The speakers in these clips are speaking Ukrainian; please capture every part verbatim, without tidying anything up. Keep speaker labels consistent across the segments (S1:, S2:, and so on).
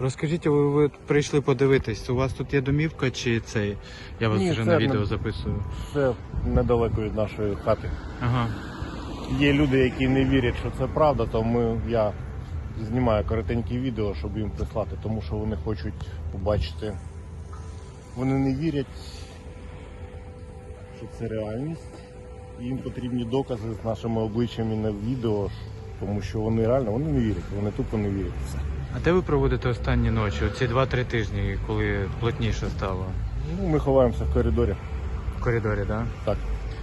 S1: Розкажіть, ви, ви прийшли подивитись, у вас тут є домівка чи цей? Я вас
S2: Ні,
S1: вже
S2: це
S1: на відео
S2: не-
S1: записую.
S2: Це недалеко від нашої хати.
S1: Ага.
S2: Є люди, які не вірять, що це правда, то ми, я знімаю коротенькі відео, щоб їм прислати, тому що вони хочуть побачити. Вони не вірять, що це реальність. Їм потрібні докази з нашими обличчями на відео, тому що вони реально вони не вірять, вони тупо не вірять. Все.
S1: А де ви проводите останні ночі? Оці два-три тижні, коли плотніше стало?
S2: Ну, ми ховаємося в коридорі.
S1: В коридорі, так?
S2: Так.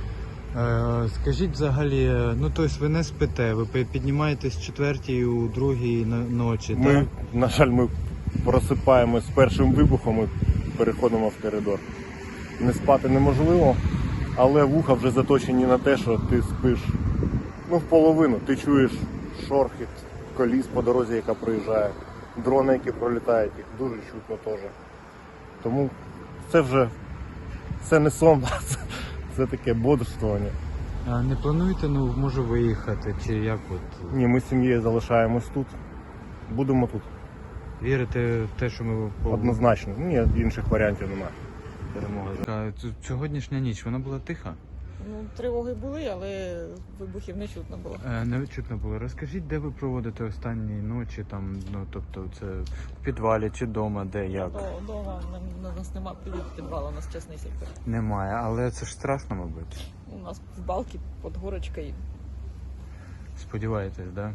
S1: Е, скажіть взагалі, ну тобто ви не спите, ви пи- піднімаєтесь в четвертій, у другій но- ночі,
S2: Ми,
S1: так?
S2: на жаль, ми просипаємось з першим вибухом і переходимо в коридор. Не спати неможливо, але вуха вже заточені на те, що ти спиш ну, в половину. Ти чуєш шорхіт коліс по дорозі, яка проїжджає, дрони, які пролітають, їх дуже чутно теж. Тому це вже це не сон, це, це таке бодрствування.
S1: А не плануєте, ну, може виїхати, чи як от?
S2: Ні, ми з сім'єю залишаємось тут. Будемо тут.
S1: Вірите в те, що ми по-
S2: Однозначно. Ні, інших варіантів немає.
S1: перемога? А ц- Сьогоднішня ніч, вона була тиха?
S3: Ну, тривоги були, але вибухів не чутно було.
S1: Е, Не чутно було. Розкажіть, де ви проводите останні ночі, там, ну, тобто це в підвалі чи вдома, де, як?
S3: До, дома у нас нема підвалу, у нас частний сектор.
S1: Немає, але це ж страшно, мабуть.
S3: У нас в балки під горочкою.
S1: Сподіваєтесь, да?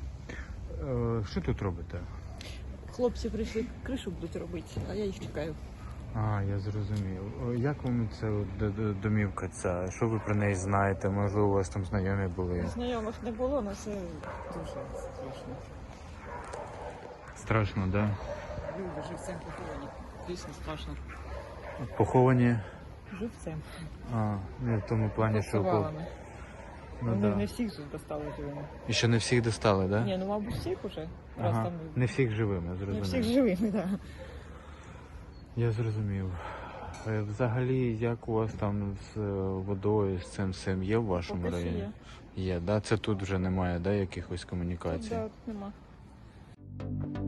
S1: Е, Що тут робите?
S3: Хлопці прийшли, кришу будуть робити, а я їх чекаю.
S1: А, я зрозумів. О, Як вам ця от д- д- домівка ця? Що ви про неї знаєте? Можливо, у вас там знайомі були?
S3: Знайомих не було, але це дуже страшно.
S1: Страшно, да?
S3: Люди живцем поховані. Дійсно страшно.
S1: Поховані?
S3: Живцем.
S1: А, ну, в тому плані, що...
S3: Повалами.
S1: Ну,
S3: Вони
S1: да.
S3: не всіх ж достали живими.
S1: І ще не всіх достали, да?
S3: Ні, ну мабуть всіх уже. Раз
S1: Ага.
S3: там
S1: Не всіх живими,
S3: не
S1: зрозумів.
S3: всіх живими, так. Да.
S1: Я зрозумів. Е, Взагалі, як у вас там з е, водою, з цим всім є в вашому
S3: Поки що
S1: районі?
S3: є.
S1: Є, да? Це тут вже немає, да, якихось комунікацій?
S3: Тут, да, нема.